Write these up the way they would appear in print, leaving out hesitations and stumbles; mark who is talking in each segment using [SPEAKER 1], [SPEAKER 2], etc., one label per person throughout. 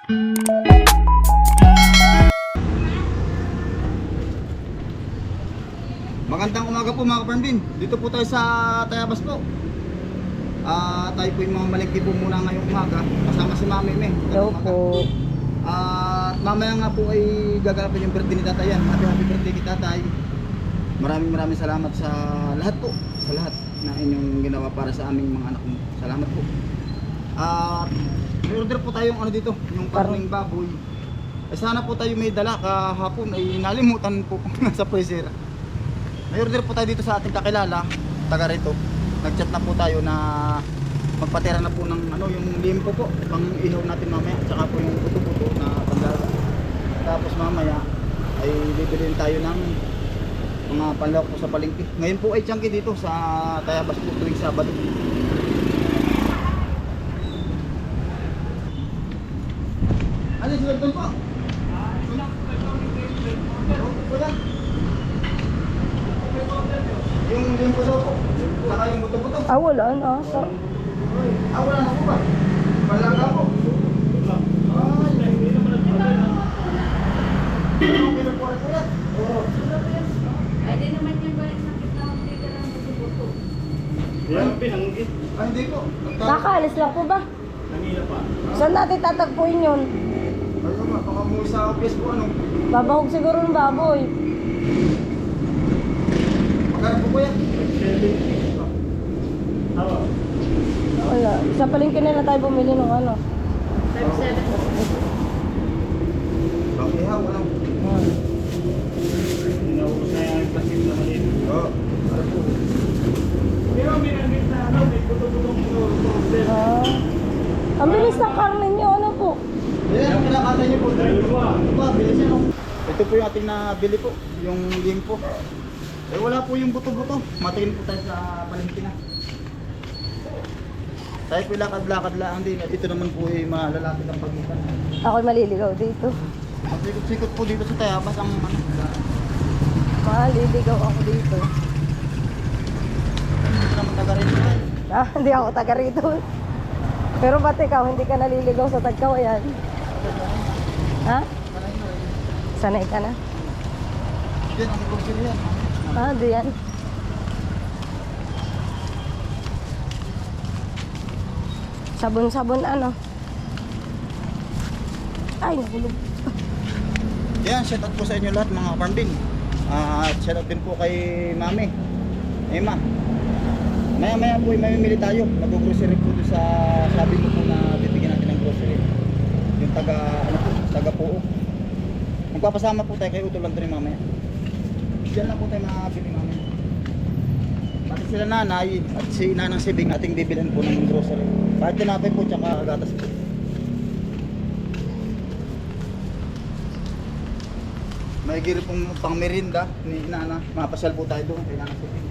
[SPEAKER 1] Magandang umaga po mga kaparmbin. Dito po tayo sa Tayabas po. Tayo po yung mga malingki po muna ngayong umaga. Kasama si Mami May.
[SPEAKER 2] Hello po.
[SPEAKER 1] At mamaya nga po ay gaganapin yung birthday ni Tatay yan. Happy birthday kay Tatay. Maraming salamat sa lahat po. Sa lahat na inyong ginawa para sa aming mga anak mo. Salamat po. At may order po tayong ano dito, yung karning baboy. Sana po tayo may dala kahapon ay nalimutan po sa freezer. May order po tayo dito sa ating kakilala, taga rito. Nag-chat na po tayo na magpatira na po ng ano, yung limpo po, pang ihaw natin mamaya, tsaka po yung puto-puto na panggawa. Tapos mamaya ay bibilin tayo ng mga panlawak po sa palengke. Ngayon po ay tiyangki dito sa Tayabas po tuwing Sabado. Ano si Welton po? Yung limpo daw po, saka yung buto-buto.
[SPEAKER 2] Wala na.
[SPEAKER 1] Wala na po ba? Wala na po.
[SPEAKER 3] Pwede naman yung balik na kita mag-trigger ng buto-buto.
[SPEAKER 1] Hindi po.
[SPEAKER 2] Nakaalis lang po ba?
[SPEAKER 1] Kanina pa.
[SPEAKER 2] Saan natin tatagpuin yun?
[SPEAKER 1] Ayun nga, baka mo sa office po ano.
[SPEAKER 2] Babahog siguro ng baboy.
[SPEAKER 1] Magkano po kuya?
[SPEAKER 2] Wala. Sa palengke na lang tayo bumili ng ano.
[SPEAKER 3] 5-7.
[SPEAKER 1] Bakit ha? Walang. Oo. Ano po?
[SPEAKER 2] Ang bilis ng karne nyo. Ano po?
[SPEAKER 1] Yan, ang kinakata niyo po. Bilis yan. Ito po yung ating nabili po. Yung limpo. Eh wala po yung buto-buto. Matingin po tayo sa palengke na. Tayo po lakad-lakad lang din. At ito naman po ay malalapit ang pagitan.
[SPEAKER 2] Ako'y maliligaw dito.
[SPEAKER 1] Sikot-sikot po dito sa Tayabas ang ano.
[SPEAKER 2] Maliligaw ako dito.
[SPEAKER 1] Hindi naman taga rin tayo.
[SPEAKER 2] Hindi ako taga rito. Pero ba't ikaw, hindi ka naliligaw sa Tagkaw? Ayan. Ha? Sanay ka na?
[SPEAKER 1] Yan ang grocery yan.
[SPEAKER 2] Diyan. Sabon-sabon ano? Ay, nahulog.
[SPEAKER 1] Yan, shout out po sa inyo lahat mga kaparmbin. At shout out din po kay Mami Emma. Maya po ay mamimili tayo. Nag-grocery po doon sa sabi ko po na bibigyan natin ng grocery. Yung taga Puo. Magpapasama po tayo kay Utol Andres mamaya. Diyan lang po tayo makabili mamaya. Pati sila nanay at si Nanang Sibing ating bibilhan po ng grocery. Kahit tinapay po tsaka gatas po. May giri pong pang merinda ni Nana. Mapasyal po tayo doon kay Nanang Sibing.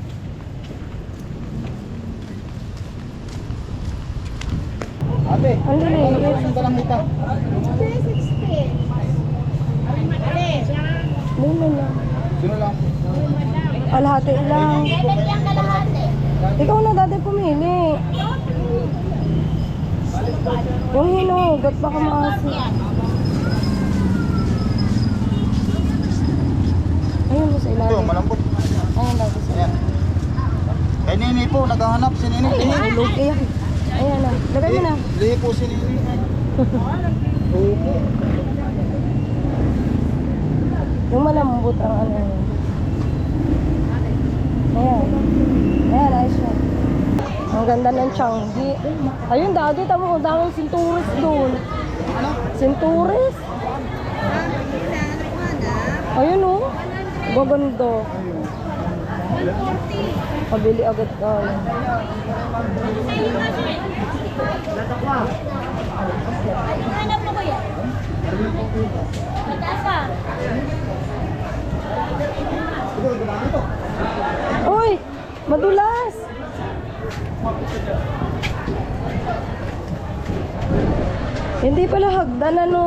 [SPEAKER 1] Ate,
[SPEAKER 2] Ang linis.
[SPEAKER 1] ano po yung dalang hita?
[SPEAKER 3] 60.
[SPEAKER 2] Lumen lang.
[SPEAKER 1] Sino lang?
[SPEAKER 2] Alhati lang.
[SPEAKER 3] Bibigyan ka lahat eh.
[SPEAKER 2] Ikaw na dati pumili. Yung hinugot, baka maasi. Ayun mo sa
[SPEAKER 1] Ito,
[SPEAKER 2] ilalim.
[SPEAKER 1] malambot.
[SPEAKER 2] Ayun dati sa
[SPEAKER 1] Ayan. Kay Nini po, naghahanap si Nini.
[SPEAKER 2] Ulog. Ayan. Ayan na. Lagay mo na.
[SPEAKER 1] Lihi po si Nini. Opo.
[SPEAKER 2] Yung malambot ang ano yun. Ayan. Ayan, ayos na. Ang ganda ng Changi. Ayun, dati tamo kung daming sinturis doon.
[SPEAKER 1] Ano?
[SPEAKER 2] Sinturis? Ayun o. Gaganda. Pabili agad ka.
[SPEAKER 3] Hanap mo ko yan? Mataas ka?
[SPEAKER 2] Uy! Madulas! Hindi pala hagdan ano.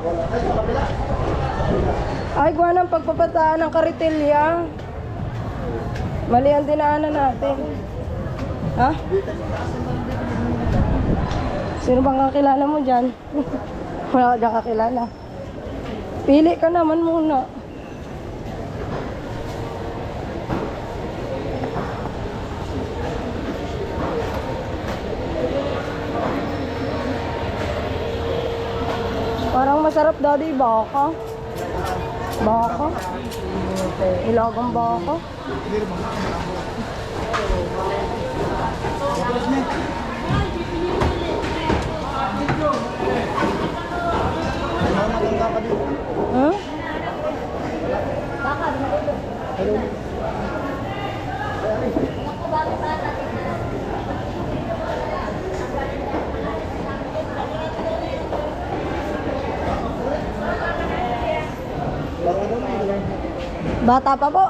[SPEAKER 2] Ay, gawa ng pagpapataan ng karitilya. Mali ang dinaanan natin. Ha? Sino bang kakilala mo dyan? Wala ka kakilala. Pili ka naman muna. Parang masarap daddy, baka. Baka. Ilagang baka. Huh? Bata pa po.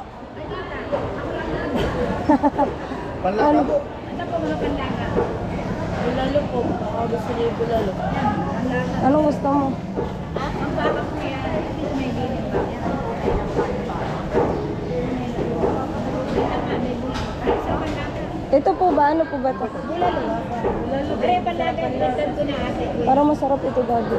[SPEAKER 1] Panlaka po.
[SPEAKER 3] Ito po mga panlaga. Bulalo po. Gusto niyo yung bulalo.
[SPEAKER 2] Anong gusto mo?
[SPEAKER 3] Ang baka po yan. May dilim ba?
[SPEAKER 2] Ito po ba? Ano po ba ito?
[SPEAKER 3] Bulalo. Bulalo. Kaya panlaga. Dagdag ko na ate.
[SPEAKER 2] Parang masarap ito daddy.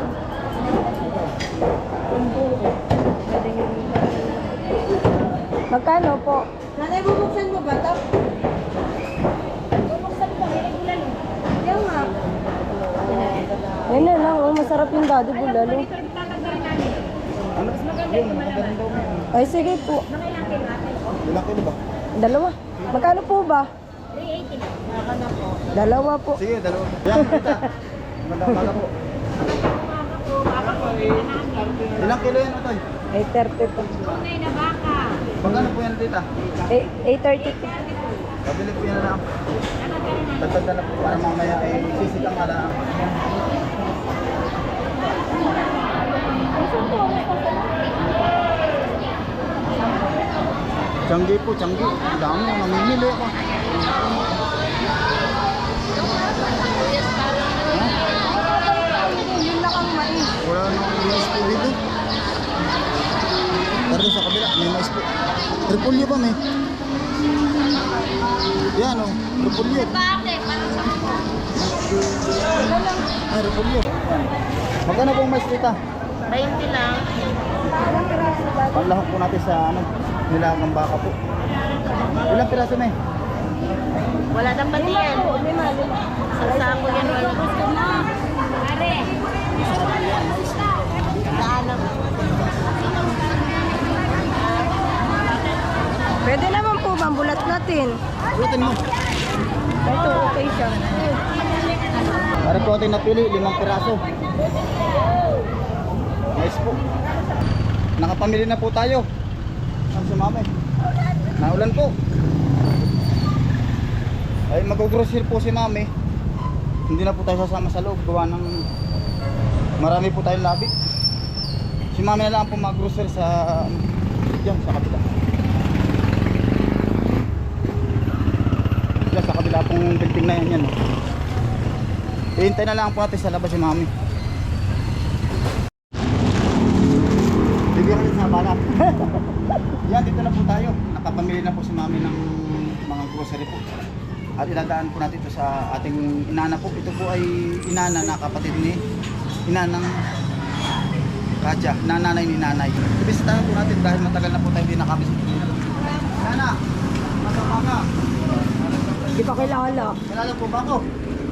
[SPEAKER 2] Magkano po?
[SPEAKER 3] Nanay, bubuksan mo ba ito? Bubuksan mo ba? May bulalo. Yung nga.
[SPEAKER 2] Ayun na lang, oh, masarap yung daddy bulalo.
[SPEAKER 3] Ito yung tatagdarin namin. Mas maganda yung malaman.
[SPEAKER 2] Ay sige po.
[SPEAKER 3] Mga ilang kilo ate?
[SPEAKER 1] Ilang kilo ba?
[SPEAKER 2] Dalawa. Magkano po ba?
[SPEAKER 3] 380 na.
[SPEAKER 2] Dalawa po.
[SPEAKER 1] Sige, dalawa. Yan, kita. Magandang umaga po.
[SPEAKER 3] Baka po.
[SPEAKER 1] Ilang kilo yan, Otoy?
[SPEAKER 2] Ay 30 po.
[SPEAKER 3] Tunay na baka.
[SPEAKER 1] Magkano po yan, tita?
[SPEAKER 2] Ay 30 po.
[SPEAKER 1] Pabili po yan na lang. Dagdag na lang po para mamaya ay sisitang ala. Tiyanggi po, tiyanggi. Ang dami, namimili ako.
[SPEAKER 2] Yun lang ang mais.
[SPEAKER 1] Wala nang mais po dito. Pero sa kabila, may mais po. Repolyo ba, may? Yan o, repolyo. Ay, repolyo. Magkano pong mais dito?
[SPEAKER 3] 20 lang.
[SPEAKER 1] Panlahok po natin sa ano, nilagang baka po. Ilang piraso, may?
[SPEAKER 3] Wala nang pati yan.
[SPEAKER 2] Lima.
[SPEAKER 3] Sa sako yan. Wala gusto mo. Pare.
[SPEAKER 2] Pwede naman po mambulat natin.
[SPEAKER 1] Ulitin mo.
[SPEAKER 2] Ito okay siya.
[SPEAKER 1] Para po natin napili, 5 piraso. Mais po. Nakapamili na po tayo. Ang sumama eh. Naulan po. Ay mag-grocery po si mami. Hindi na po tayo sasama sa loob. Gawa ng marami po tayong labi. Si mami na lang po mag-grocery sa yan, sa kabila. Yan, sa kabila pong building na yan. Yan. Hihintay na lang po natin sa labas si mami. Bibigyan ulit sa bala. Yan, dito na po tayo. Nakapamili na po si mami ng mga grocery po. At iladaan po natin ito sa ating inana po. Ito po ay inana na kapatid ni inanang Katya, nanay ni nanay. Ibisitahan po natin dahil matagal na po tayo hindi nakabisita. Nana, masama ka.
[SPEAKER 2] Di pa kilala.
[SPEAKER 1] Kilala po ba ako?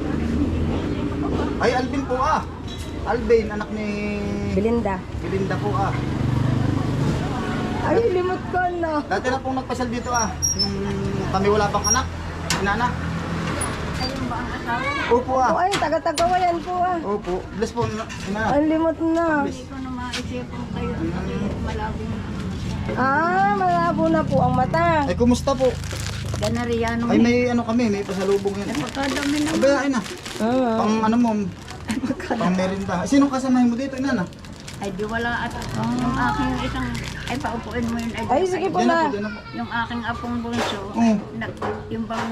[SPEAKER 1] Ay, Alvin po ah. Alvin, anak ni
[SPEAKER 2] Belinda.
[SPEAKER 1] Belinda po ah.
[SPEAKER 2] Ay, limot ko na.
[SPEAKER 1] Dati na pong nagpasal dito ah. Nung kami wala pang anak. Inana.
[SPEAKER 3] Ayun ba ang asawa?
[SPEAKER 1] Opo ah.
[SPEAKER 2] Oh, ay, taga-tagawayan po ah.
[SPEAKER 1] Opo. Bless po. Inana.
[SPEAKER 2] Ang limot na.
[SPEAKER 3] Hindi ko na maisip kung kayo kasi malabo na ang mata.
[SPEAKER 2] Ah, malabo na po ang mata.
[SPEAKER 1] Ay, kumusta po?
[SPEAKER 3] Ganariano
[SPEAKER 1] Ay, may ano kami. May pasalubong yan.
[SPEAKER 3] pagkadami naman.
[SPEAKER 1] Abay, ay na.
[SPEAKER 2] Ah.
[SPEAKER 1] Pang ano mo. Pang merinda. Sinong kasamahin mo dito, Inana?
[SPEAKER 3] Ay di wala at yung aking isang ay paupuin mo yun
[SPEAKER 2] Ay, sige po
[SPEAKER 1] Diyan na
[SPEAKER 2] na.
[SPEAKER 1] po, diyan na po.
[SPEAKER 3] yung aking apong bunso
[SPEAKER 1] Oh.
[SPEAKER 3] yung bang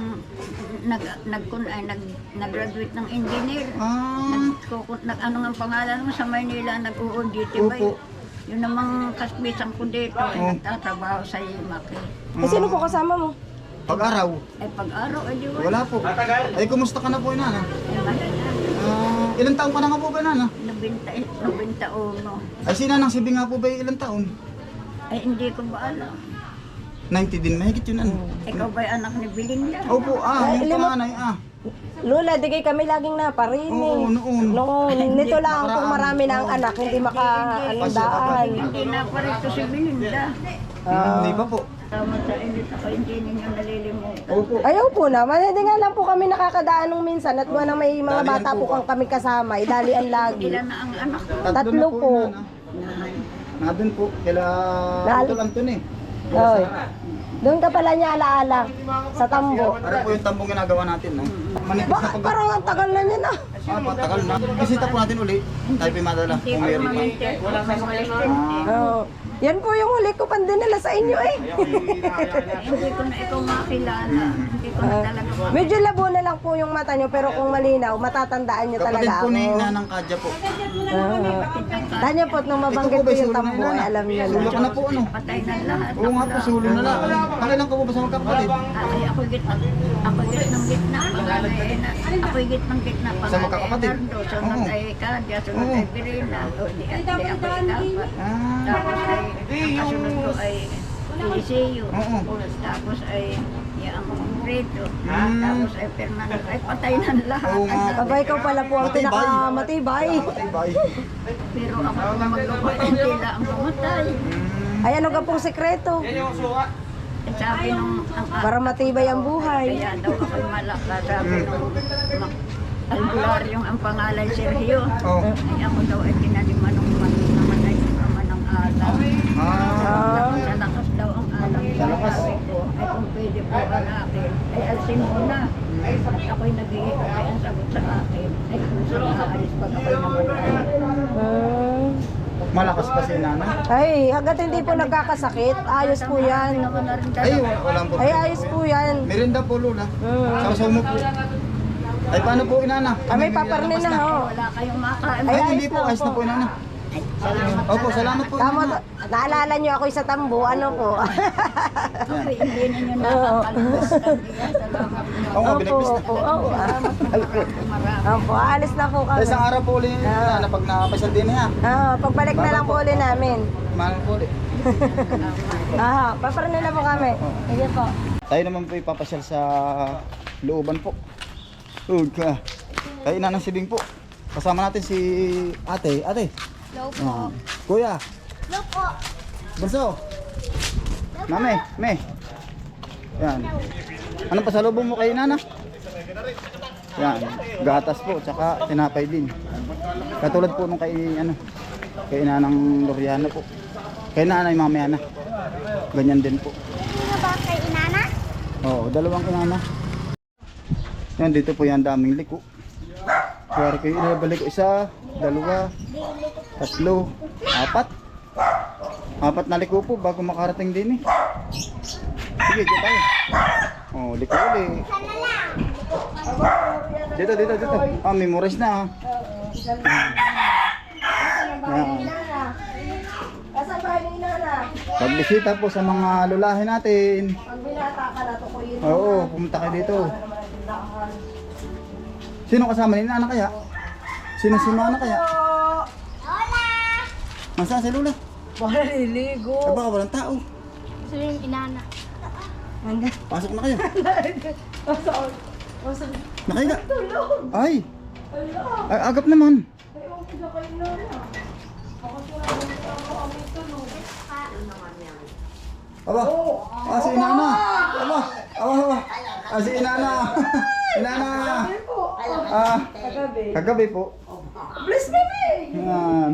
[SPEAKER 3] nag-graduate ng engineer
[SPEAKER 1] Ah.
[SPEAKER 3] nag ano nga ang pangalan mo sa Maynila nag-uuditi ba
[SPEAKER 1] Opo.
[SPEAKER 3] yun namang kasbisan ko dito ay
[SPEAKER 1] Oh.
[SPEAKER 3] nagtatrabaho sa Imaki
[SPEAKER 2] Eh, sino po kasama mo?
[SPEAKER 1] Pag-araw.
[SPEAKER 3] ay pag-araw ay di
[SPEAKER 1] Wala po. Ay, kumusta ka na po, Inana?
[SPEAKER 3] ay mahina
[SPEAKER 1] Ilang taon ka na nga po ba, Inana?
[SPEAKER 3] 91.
[SPEAKER 1] Ay, si Nanang Sibi nga po ba ilang taon?
[SPEAKER 3] Ay, hindi ko ba alam.
[SPEAKER 1] 90 din, mahigit yun ano.
[SPEAKER 3] Ikaw ba'y anak ni Belinda?
[SPEAKER 1] Opo,
[SPEAKER 2] Ay,
[SPEAKER 1] yung
[SPEAKER 2] lima-
[SPEAKER 1] panganay,
[SPEAKER 2] Lola, di kayo kami laging naparinig.
[SPEAKER 1] Oo, noon.
[SPEAKER 2] Noon, nito lang kung marami na ang anak, hindi makaandaan.
[SPEAKER 3] Hindi na pa rin si Belinda.
[SPEAKER 1] Hindi pa po.
[SPEAKER 3] Tama sa inyo, ako hindi ninyo nalilimutan.
[SPEAKER 1] Opo.
[SPEAKER 2] Ayaw po naman, hindi nga lang po kami nakakadaan nung minsan at buwan na may mga
[SPEAKER 1] Dalian
[SPEAKER 2] bata
[SPEAKER 1] po
[SPEAKER 2] po kang kami kasama, idalian lagi.
[SPEAKER 3] Ilan na ang anak ko?
[SPEAKER 2] Tatlo po.
[SPEAKER 1] Nandun po, kila
[SPEAKER 2] Nal-
[SPEAKER 1] Utol Anton
[SPEAKER 2] Oy. Doon ka pala niya alaala sa tambo.
[SPEAKER 1] Ano po yung tambong ginagawa natin, no? Manipis na
[SPEAKER 2] Bakit parang ang tagal na niya na?
[SPEAKER 1] Patagal na. Bisita po natin uli. Tayo po yung madala.
[SPEAKER 3] Hindi
[SPEAKER 1] Kung
[SPEAKER 3] ko
[SPEAKER 1] meron pa.
[SPEAKER 3] maminte. Wala sa mga
[SPEAKER 2] Oo. Yan po yung huli ko pandinala sa inyo eh.
[SPEAKER 3] Hindi ko na ikaw makilala. Hindi ko na talaga
[SPEAKER 2] Medyo labo na lang po yung mata nyo pero kung malinaw, matatandaan nyo
[SPEAKER 1] Kapatid
[SPEAKER 2] talaga
[SPEAKER 1] po
[SPEAKER 2] ako.
[SPEAKER 1] ni Nanang Kadya po.
[SPEAKER 2] Tanya po, nung mabanggit
[SPEAKER 1] Ito po
[SPEAKER 2] po
[SPEAKER 1] ba,
[SPEAKER 2] yung
[SPEAKER 1] sulo na
[SPEAKER 2] tambo,
[SPEAKER 1] yun,
[SPEAKER 2] ay alam nyo
[SPEAKER 1] Sulo
[SPEAKER 2] na.
[SPEAKER 1] ka na po, ano?
[SPEAKER 3] patay na lahat.
[SPEAKER 1] Oo nga po, sulo na lang. Pakilang ka po ba sa magkapatid?
[SPEAKER 3] Ay, ako git ng gitna, panganay ay na. Ako git ng gitna,
[SPEAKER 1] Sa
[SPEAKER 3] panganay ay
[SPEAKER 1] magkakapatid?
[SPEAKER 3] Nardo. Sunod
[SPEAKER 1] Oo.
[SPEAKER 3] ay Kadya, sunod
[SPEAKER 1] Oo.
[SPEAKER 3] ay Pirina. O, di ako ikapat.
[SPEAKER 1] Ah,
[SPEAKER 3] Tapos ay, ang kasunod ko ay Eliseo.
[SPEAKER 1] Oo.
[SPEAKER 3] Tapos ay yung Rito.
[SPEAKER 1] Mm.
[SPEAKER 3] Tapos ay Fernando. Ay patay na lahat.
[SPEAKER 1] Oo nga.
[SPEAKER 2] Aba, ikaw pala po ang
[SPEAKER 1] Matibay.
[SPEAKER 2] pinakamatibay.
[SPEAKER 1] matibay.
[SPEAKER 3] Pero ako kung maglupa, hindi lang ang pumatay.
[SPEAKER 2] Ay, ano ka pong sekreto?
[SPEAKER 3] Eh, sabi nung
[SPEAKER 2] Para matibay ang buhay.
[SPEAKER 3] kaya daw ako'y malaka. Sabi nung albularyong ang pangalan Sergio.
[SPEAKER 1] Oh.
[SPEAKER 3] Ay ako daw ay tinaliman ng namatay ng ama ng alam.
[SPEAKER 1] Ah,
[SPEAKER 3] Sa lakas daw ang alam.
[SPEAKER 1] Sa lakas.
[SPEAKER 3] Sabi ko, ay kung pwede po anakin, ay alsin mo na. At ako'y nag-iikot ay ang sagot sa akin. Ay kung saan aalis pag ako'y namatay.
[SPEAKER 1] malakas pa si Nana.
[SPEAKER 2] Ay, hanggat hindi po nagkakasakit, ayos po yan.
[SPEAKER 3] Ako na rin
[SPEAKER 1] Ay,
[SPEAKER 3] dalawa.
[SPEAKER 1] walang po.
[SPEAKER 2] Ay, ayos po yan.
[SPEAKER 1] Merinda po, Lola. Sausaw mo po. Ay, paano po, Inana?
[SPEAKER 2] Kami paparnin na ho.
[SPEAKER 3] Wala kayong makain.
[SPEAKER 1] Ay,
[SPEAKER 2] Ay,
[SPEAKER 1] hindi
[SPEAKER 2] ayos
[SPEAKER 1] po.
[SPEAKER 2] na
[SPEAKER 1] Ayos na
[SPEAKER 2] po.
[SPEAKER 1] po, Inana. Opo, salamat po,
[SPEAKER 2] Tama,
[SPEAKER 1] Inana.
[SPEAKER 2] naalala nyo ako sa tambo, ano po?
[SPEAKER 3] Ako'y hindi ninyo nakakalimutan. Kaya salamat niyo.
[SPEAKER 1] Oo nga,
[SPEAKER 2] Opo,
[SPEAKER 1] binagpis na.
[SPEAKER 2] opo, opo.
[SPEAKER 3] Marami.
[SPEAKER 2] Opo, alis na po
[SPEAKER 1] Ay,
[SPEAKER 2] kami.
[SPEAKER 1] isang araw po ulit, Inana, pag nakapasal din niya.
[SPEAKER 2] Pagbalik na lang po ulit namin.
[SPEAKER 1] Mahal po ulit.
[SPEAKER 2] Paparnin na po kami. Sige po.
[SPEAKER 1] Tayo naman po ipapasyal sa looban po. Ka. Kay Nanang Sibing po. Kasama natin si ate. Ate.
[SPEAKER 3] Hello
[SPEAKER 1] Ah, kuya.
[SPEAKER 3] Hello po.
[SPEAKER 1] Bunso. Mame. Me. Yan. Anong pasalubong mo kay Nana? Yan. Gatas po. Tsaka tinapay din. Katulad po nung kay kay Nanang Loriano po. Kay Nanay mamaya na. Ganyan din po.
[SPEAKER 3] Sino ba kay Inana?
[SPEAKER 1] Oo, dalawang inana. Yan, dito po yan daming liko. Kaya kayo inabalik ko isa, dalawa, tatlo, apat. Apat na liko po bago makarating din eh. Sige, dito tayo. Oh, liko ulit. Dito. Ah, memorize na ah. Yan.
[SPEAKER 2] Asan ba ni Nana?
[SPEAKER 1] Pagbisita po sa mga lulahin natin.
[SPEAKER 2] Pag binata ka na to ko yun.
[SPEAKER 1] Oo, pumunta kayo dito. Sino kasama ni Nana kaya? Sino si Nana kaya?
[SPEAKER 3] Hola!
[SPEAKER 1] Nasaan si Lola?
[SPEAKER 2] Para liligo.
[SPEAKER 1] Ay baka walang tao.
[SPEAKER 3] Sino yung Inana?
[SPEAKER 1] Pasok na kayo.
[SPEAKER 2] Masa,
[SPEAKER 1] Nakahiga.
[SPEAKER 2] tulog.
[SPEAKER 1] Ay,
[SPEAKER 2] Ala.
[SPEAKER 1] ay agap naman.
[SPEAKER 2] Ay, okay na kayo Nana. Ako sila kami tulog.
[SPEAKER 1] Aba, si Inana. Aba. Si Inana. Inana.
[SPEAKER 2] Kagabi.
[SPEAKER 1] Kagabi po.
[SPEAKER 2] Bless me,
[SPEAKER 1] Yan.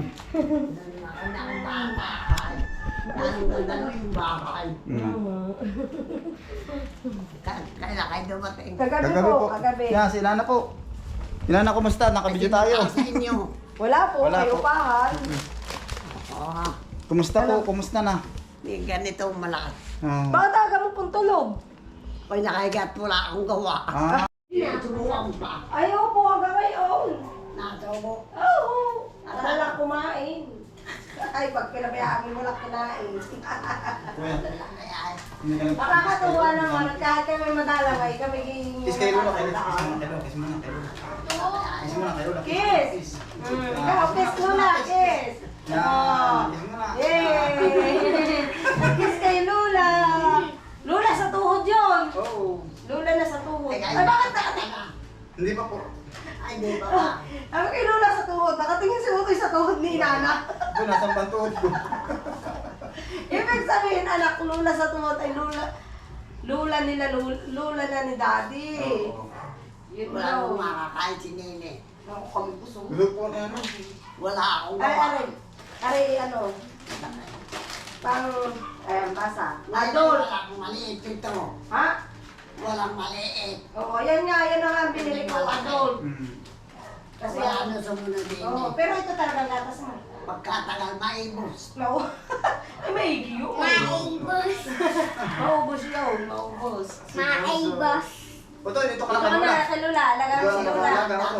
[SPEAKER 4] Kailan kayo dumating?
[SPEAKER 2] Kagabi
[SPEAKER 1] Kagabi
[SPEAKER 2] po,
[SPEAKER 1] po.
[SPEAKER 2] kagabi.
[SPEAKER 1] Yan, si Inana po. Inana, kumusta? Nakabidyo tayo.
[SPEAKER 4] Sa inyo.
[SPEAKER 2] Wala po,
[SPEAKER 1] Wala
[SPEAKER 2] kayo
[SPEAKER 1] po.
[SPEAKER 2] pahan.
[SPEAKER 4] Oo.
[SPEAKER 1] Kumusta po? Kumusta na?
[SPEAKER 4] May ganito malakas.
[SPEAKER 1] Ah.
[SPEAKER 2] Bakit aga mo pong tulog?
[SPEAKER 4] Pag nakahigat wala akong gawa.
[SPEAKER 1] Ah.
[SPEAKER 4] Turuan pa.
[SPEAKER 2] Ayaw po hanggang ngayon.
[SPEAKER 4] Nasa mo.
[SPEAKER 2] Oo. Alala kumain. Ay, pag pinabayaan mo lang kinain.
[SPEAKER 1] Kuya, hindi ka lang.
[SPEAKER 2] Nakakatuwa naman. Kahit kami madalaway, kami gihingi.
[SPEAKER 1] Kiss kayo Lola, kayo. Kiss mo na kayo. Kiss mo na kayo.
[SPEAKER 2] Kiss! Ikaw, kiss Lula, kiss!
[SPEAKER 1] Yan, kiss mo na.
[SPEAKER 2] Yay! Kiss kay Lula! Lula sa tuhod yun!
[SPEAKER 1] Oo.
[SPEAKER 2] Lula na sa tuhod.
[SPEAKER 4] Ay,
[SPEAKER 2] Ay, bakit nakatingin?
[SPEAKER 1] Hindi pa po.
[SPEAKER 4] Ay, di ba ba?
[SPEAKER 2] Ano kay Lula sa tuhod? Nakatingin si Utoy sa tuhod ni Nana.
[SPEAKER 1] Doon, nasa pantuod ko.
[SPEAKER 2] Ibig sabihin, anak, Lula sa tuhod ay Lula. Lula nila, Lula na ni Daddy.
[SPEAKER 1] Oo.
[SPEAKER 2] Yun
[SPEAKER 4] Wala akong
[SPEAKER 2] daw.
[SPEAKER 4] makakain si Nene.
[SPEAKER 2] Ako kami gusto.
[SPEAKER 1] Gusto po na ano.
[SPEAKER 4] Wala akong
[SPEAKER 2] Ay,
[SPEAKER 4] gawa.
[SPEAKER 2] ano? Pang, basa.
[SPEAKER 4] Ngayon,
[SPEAKER 2] Adult.
[SPEAKER 4] walang maliit ito.
[SPEAKER 2] Ha?
[SPEAKER 4] Walang maliit.
[SPEAKER 2] Oo, yan nga, yan na nga ang binili ko, adult. Kasi
[SPEAKER 4] Wala na sa muna din.
[SPEAKER 2] Oo, pero ito talagang gatas mo.
[SPEAKER 4] Pagkatagal maibos.
[SPEAKER 2] No. Ay, maigi yun.
[SPEAKER 5] Maibos.
[SPEAKER 2] Maubos yun, maubos.
[SPEAKER 5] Maibos.
[SPEAKER 1] Oto, dito ka
[SPEAKER 2] Ito
[SPEAKER 1] lang
[SPEAKER 2] ka
[SPEAKER 1] kanula.
[SPEAKER 2] na, sa Lula. Alagaan mo si Lula.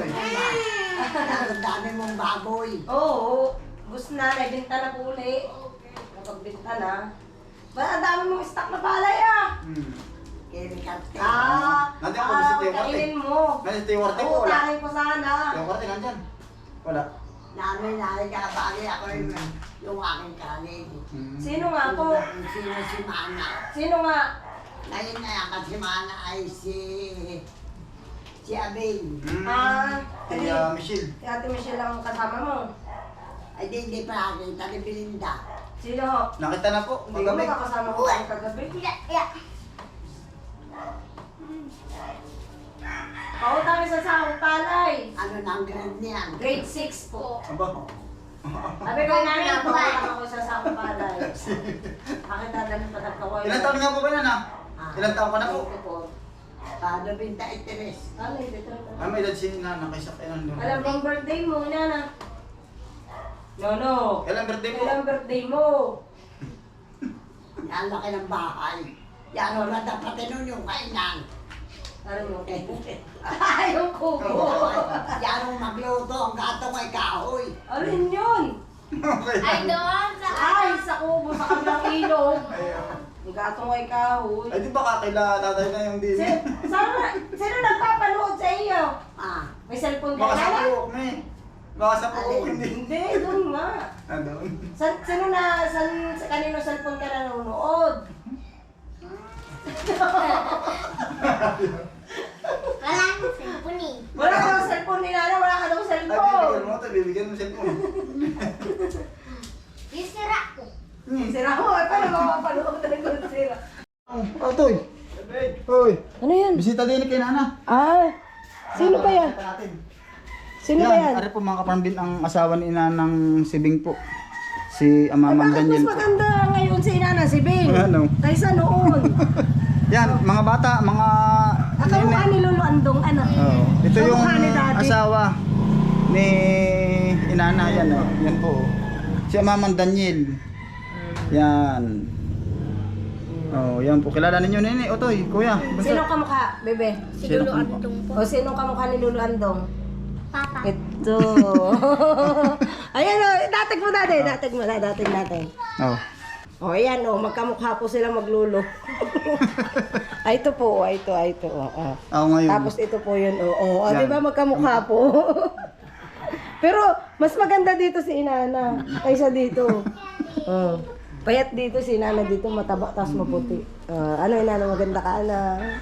[SPEAKER 4] Ang dami mong baboy.
[SPEAKER 2] Oo, gusto na, nagbinta na po uli. Napagbinta na. Ba, ang dami mong stock na palay ah.
[SPEAKER 4] Kinikarte.
[SPEAKER 1] Nandiyan po si Teo Marte.
[SPEAKER 2] kainin mo.
[SPEAKER 1] Nandiyan si Teo Marte po, wala.
[SPEAKER 2] Uutahin ko sana.
[SPEAKER 1] Teo Marte, nandyan. Wala.
[SPEAKER 4] Namin nakikabali ako yung aking kanin.
[SPEAKER 2] Sino nga po?
[SPEAKER 4] Sino si Mana.
[SPEAKER 2] Sino nga?
[SPEAKER 4] Ngayon na yan kasi Mana ay si Abing.
[SPEAKER 2] Ah,
[SPEAKER 1] Si Michelle.
[SPEAKER 2] Si Ate Michelle ang kasama mo.
[SPEAKER 4] Ay di pa nakita ni Belinda.
[SPEAKER 2] Sino ho?
[SPEAKER 1] Nakita na po.
[SPEAKER 2] Hindi ko
[SPEAKER 1] Magabi.
[SPEAKER 2] makakasama ko kayo kagabi. Pautang sa sahong palay.
[SPEAKER 4] Ano na ang grade niyan?
[SPEAKER 2] Grade 6 po.
[SPEAKER 1] Aba.
[SPEAKER 2] Sabi ko namin, pautang ako sa sahong palay. Bakit dadalhin pa nagkawayo?
[SPEAKER 1] Ilan taon nga po ba yan ah? Ilan taon ka na po?
[SPEAKER 2] Ito po.
[SPEAKER 4] Ano binta itiris?
[SPEAKER 2] Ano, dito na.
[SPEAKER 1] May edad si Nana kaysa kay Nando.
[SPEAKER 2] Alam mo ang birthday mo, Nana? No.
[SPEAKER 1] Kailan birthday mo?
[SPEAKER 2] Kailan birthday mo?
[SPEAKER 4] Yan laki ng bahay. Yan o na dapat nun yung kainan.
[SPEAKER 2] Ano mo? Ay, yung kubo.
[SPEAKER 4] Yan ang magluto ang gatong ay kahoy.
[SPEAKER 2] Alin yun?
[SPEAKER 1] Okay.
[SPEAKER 5] Ay, doon sa
[SPEAKER 2] Ay, sa kubo, sa kabilang ilog. Yung gatong ay kahoy.
[SPEAKER 1] Ay, di ba kakila tatay na yung din?
[SPEAKER 2] Sino nagpapanood sa iyo?
[SPEAKER 4] Ah,
[SPEAKER 2] May cellphone ka
[SPEAKER 1] Baka sa
[SPEAKER 2] na?
[SPEAKER 1] puok, me. Baka sa puok, hindi.
[SPEAKER 2] Hindi, doon nga.
[SPEAKER 1] Nandun.
[SPEAKER 2] Sa kanino cellphone ka nanonood?
[SPEAKER 5] walang cellphone eh.
[SPEAKER 2] Wala ka daw cellphone ni Nana, wala ka daw
[SPEAKER 1] Ay, bibigyan
[SPEAKER 2] cellphone.
[SPEAKER 1] mo ito, bibigyan mo cellphone.
[SPEAKER 5] Yung sira ko.
[SPEAKER 2] Sira mo, eh, paano makapanood na ng sira?
[SPEAKER 1] Oh, Toy. Hoy.
[SPEAKER 2] Ano yan?
[SPEAKER 1] Bisita din kay Nana.
[SPEAKER 2] Ah, sino ba yan?
[SPEAKER 1] Bisita natin.
[SPEAKER 2] Sino ba yan?
[SPEAKER 1] Ari po mga kapambin ang asawa ni Inanang Sibing po. Si Amamang
[SPEAKER 2] Bakit mas
[SPEAKER 1] Daniel po.
[SPEAKER 2] maganda ngayon si Nana, si Bing?
[SPEAKER 1] Ano?
[SPEAKER 2] Kaysa noon.
[SPEAKER 1] Yan, mga bata, mga
[SPEAKER 2] Nakamukha ni Lolo Andong, ano?
[SPEAKER 1] Oh, ito yung
[SPEAKER 2] Kamukha ni Daddy.
[SPEAKER 1] asawa ni Inana, yan oh. Yan po. Oh. Si Amamang Daniel. Yan. Oh, yan po. Kilala ninyo nini, Otoy, kuya.
[SPEAKER 2] Sino kamukha, bebe?
[SPEAKER 5] Si
[SPEAKER 1] Sino
[SPEAKER 5] Lolo
[SPEAKER 1] ka-
[SPEAKER 5] Antong po.
[SPEAKER 2] O sino kamukha ni Lolo Andong?
[SPEAKER 5] Papa.
[SPEAKER 2] Ito. Ayan o, datig mo natin, datig mo na, datig natin.
[SPEAKER 1] Oh.
[SPEAKER 2] O, ayan o, magkamukha po sila maglulo. Ay, ito po, ay ito, o.
[SPEAKER 1] Ako ngayon.
[SPEAKER 2] Tapos ito po yun, o. O,
[SPEAKER 1] Yan.
[SPEAKER 2] di ba magkamukha po? Pero, mas maganda dito si Inana kaysa dito. O. Payat dito si Inana dito, mataba, tapos maputi. Ano Inana, maganda ka na.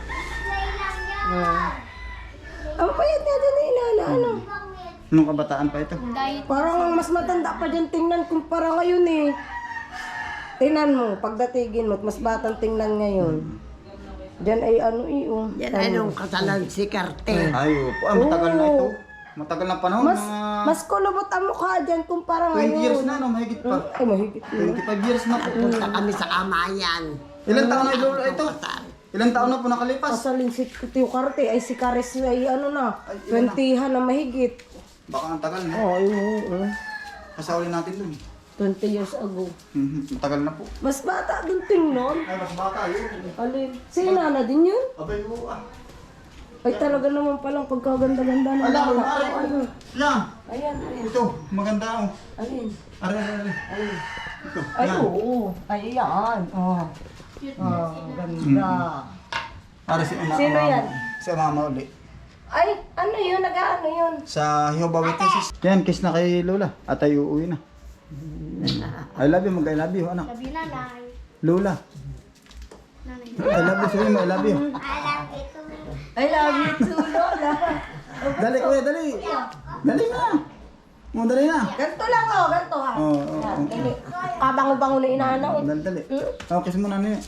[SPEAKER 2] Ang payat nga din ni Inana, ano?
[SPEAKER 1] Nung kabataan pa ito.
[SPEAKER 2] Parang mas matanda pa dyan tingnan kumpara ngayon eh. Tingnan mo, pagdatigin mo, mas batang tingnan ngayon. Diyan ay ano iyo.
[SPEAKER 4] yan ay nung kasalan si Carte.
[SPEAKER 1] Ay, opo. Matagal na ito. Matagal na panahon.
[SPEAKER 2] Mas
[SPEAKER 1] mga
[SPEAKER 2] mas kulubot ang mukha dyan kumpara
[SPEAKER 1] 20
[SPEAKER 2] ngayon.
[SPEAKER 1] years na, no? Mahigit pa.
[SPEAKER 2] Ay, mahigit na.
[SPEAKER 1] 25 years na po.
[SPEAKER 4] Punta kami sa kamayan.
[SPEAKER 1] Ilang taon na ilolo ito? Ilang taon na po nakalipas?
[SPEAKER 2] Kasalin si Tio Carte, ay si Caris ay ano na,
[SPEAKER 1] Ay, ilan na?
[SPEAKER 2] 20 na mahigit.
[SPEAKER 1] Baka ang tagal na.
[SPEAKER 2] Oo, yun.
[SPEAKER 1] Kasawin natin dun.
[SPEAKER 2] 20 years ago.
[SPEAKER 1] Matagal na po.
[SPEAKER 2] Mas bata dun tingnan.
[SPEAKER 1] Ay, mas bata yun.
[SPEAKER 2] Alin? Si Inana din yun?
[SPEAKER 1] Abay, oo ah.
[SPEAKER 2] Ay, talaga naman palang pagkaganda-ganda ng
[SPEAKER 1] Ala,
[SPEAKER 2] bata.
[SPEAKER 1] mare.
[SPEAKER 2] Ano?
[SPEAKER 1] Yan.
[SPEAKER 2] Ayan, ayan.
[SPEAKER 1] Ito, maganda oh.
[SPEAKER 2] Alin?
[SPEAKER 1] Are. Ito.
[SPEAKER 2] Ay,
[SPEAKER 1] Yan.
[SPEAKER 2] oo. Ay, yan. Oh. Oh, ganda.
[SPEAKER 1] Para si
[SPEAKER 2] Sino yan?
[SPEAKER 1] Si mama uli.
[SPEAKER 2] Ay, ano yun? Nag-ano yun?
[SPEAKER 1] Sa Jehovah Witnesses. Yan, kiss na kay Lola. At ay uuwi na. I love you, mag-I love you, anak.
[SPEAKER 5] Sabi na lang.
[SPEAKER 1] Lola.
[SPEAKER 5] Nanay.
[SPEAKER 1] I love you, sabihin mo, I love you.
[SPEAKER 5] I love you too.
[SPEAKER 2] I love you too, Lola.
[SPEAKER 1] Dali, kuya, dali. Dali na. Dali na.
[SPEAKER 2] Ganto lang, oh. Ganto, ha.
[SPEAKER 1] Oo, oo,
[SPEAKER 2] Yan,
[SPEAKER 1] oo.
[SPEAKER 2] dali. Kabango-bango na inaana, oh.
[SPEAKER 1] Dali, dali. Oh, kiss mo na niya.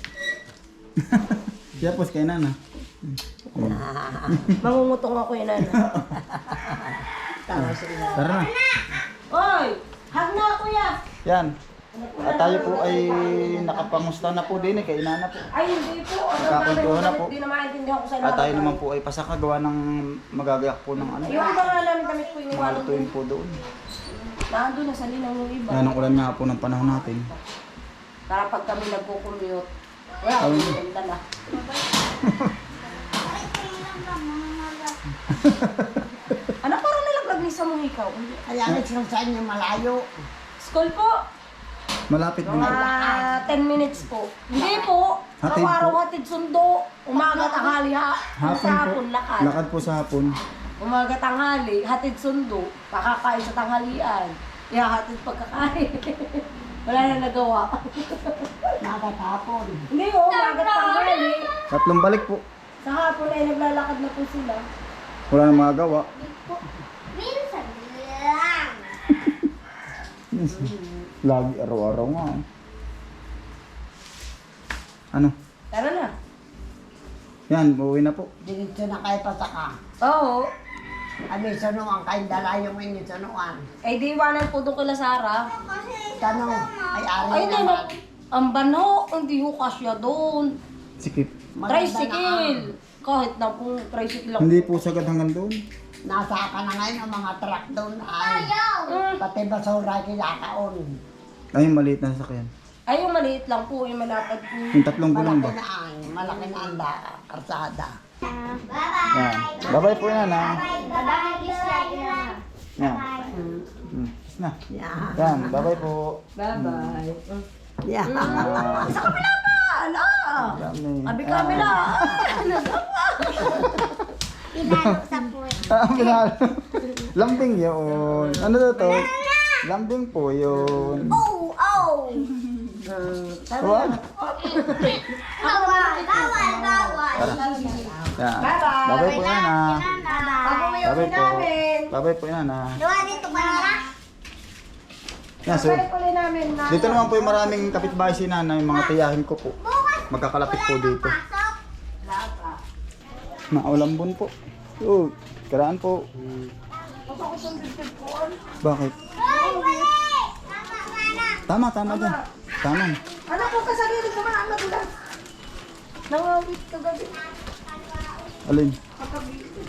[SPEAKER 1] Yapos kay nana.
[SPEAKER 2] Mangungutong ako, inaana.
[SPEAKER 1] Tara na.
[SPEAKER 2] Oy! Hag na, kuya!
[SPEAKER 1] Yan. At tayo po ay nakapangusta na po din kay inana po.
[SPEAKER 2] Ay, hindi po. Ano
[SPEAKER 1] Nagkakuntuhan na po.
[SPEAKER 2] Hindi na maintindihan ko sa
[SPEAKER 1] At tayo naman po ay pasakagawa ng magagayak po ng ano.
[SPEAKER 2] Yung iba nga namin damit po
[SPEAKER 1] Mga
[SPEAKER 2] iniwanan
[SPEAKER 1] lutuin po doon.
[SPEAKER 2] Nandun na sa linang yung iba.
[SPEAKER 1] Yan ang ulan nga po ng panahon natin.
[SPEAKER 2] Para pag kami nagpo-commute, wala kami yung dala. Ano parang nalaglag ni sa mong ikaw?
[SPEAKER 4] Kaya nga sa inyo malayo.
[SPEAKER 2] School po.
[SPEAKER 1] Malapit din.
[SPEAKER 2] Mga 10 minutes po. Hindi po.
[SPEAKER 1] Hatid
[SPEAKER 2] Araw-araw
[SPEAKER 1] po.
[SPEAKER 2] hatid sundo. Umaga tanghali ha.
[SPEAKER 1] Hapon
[SPEAKER 2] Sa
[SPEAKER 1] po.
[SPEAKER 2] hapon lakad.
[SPEAKER 1] Lakad po sa hapon.
[SPEAKER 2] Umaga tanghali, hatid sundo. Kakakain sa tanghalian. Ihahatid pagkakain. Wala na nagawa.
[SPEAKER 4] Nakatapon.
[SPEAKER 2] Hindi oh, umaga tanghali.
[SPEAKER 1] Tatlong balik po.
[SPEAKER 2] Sa hapon ay naglalakad na po sila.
[SPEAKER 1] Wala nang magagawa.
[SPEAKER 5] Minsan lang.
[SPEAKER 1] Lagi araw-araw nga. Ano?
[SPEAKER 2] Tara na.
[SPEAKER 1] Yan, uuwi na po.
[SPEAKER 4] Diretso na kayo pasaka.
[SPEAKER 2] Oo.
[SPEAKER 4] Ano yung sanuan kayo dala yung inyong sanuan.
[SPEAKER 2] Ay di iwanan po doon kila Sarah.
[SPEAKER 4] Tanong, ay ari
[SPEAKER 2] Ay di
[SPEAKER 4] naman.
[SPEAKER 2] ang bano, hindi ho kasya doon.
[SPEAKER 1] Sikip.
[SPEAKER 4] Maganda
[SPEAKER 2] Tricycle. Kahit na po tricycle lang.
[SPEAKER 1] Hindi po sagad hanggang doon.
[SPEAKER 4] Nasa ka na ngayon ang mga truck doon ay pati basura kinakaon.
[SPEAKER 1] Ay, maliit na sasakyan.
[SPEAKER 2] Ay yung maliit lang po, yung malapad po.
[SPEAKER 1] Yung tatlong gulong ba?
[SPEAKER 4] Malaki na ang karsada.
[SPEAKER 5] Bye-bye.
[SPEAKER 1] Yan. Bye-bye po yan ha.
[SPEAKER 5] Bye-bye. Kiss like na.
[SPEAKER 1] Yan.
[SPEAKER 5] Bye.
[SPEAKER 1] Kiss na.
[SPEAKER 4] Yeah.
[SPEAKER 1] Yan, bye-bye po.
[SPEAKER 2] Bye-bye.
[SPEAKER 4] Yeah.
[SPEAKER 2] Sa kabila pa! Ala!
[SPEAKER 1] Dami.
[SPEAKER 2] Abi kabila!
[SPEAKER 5] Inalok sa puwet.
[SPEAKER 1] Minahal. Lambing yun. Ano daw to? Lambing po yun.
[SPEAKER 5] Oh! Oh!
[SPEAKER 1] Wag.
[SPEAKER 5] Bawal! Bawal! Bawal!
[SPEAKER 1] Yan.
[SPEAKER 2] Bye-bye.
[SPEAKER 1] Bye-bye po yan ha.
[SPEAKER 2] Ako may uwi
[SPEAKER 1] Bye-bye po.
[SPEAKER 2] namin.
[SPEAKER 1] Bye-bye po yan ha.
[SPEAKER 5] Gawa dito ka na.
[SPEAKER 1] Yan, so,
[SPEAKER 2] Bye ulit namin na.
[SPEAKER 1] dito naman po yung maraming kapitbahay si nanay, mga tiyahin ko po.
[SPEAKER 5] Bukas
[SPEAKER 1] Magkakalapit po dito.
[SPEAKER 5] pasok.
[SPEAKER 1] Maulambon po. Oh, karaan po. Bakit?
[SPEAKER 5] Hoy! Mali! Tama nga na.
[SPEAKER 1] Tama dyan. Tama.
[SPEAKER 2] Ano po kasarili ko mga madulas? Nangawit ka gabi.
[SPEAKER 1] Alin?
[SPEAKER 2] Katabi.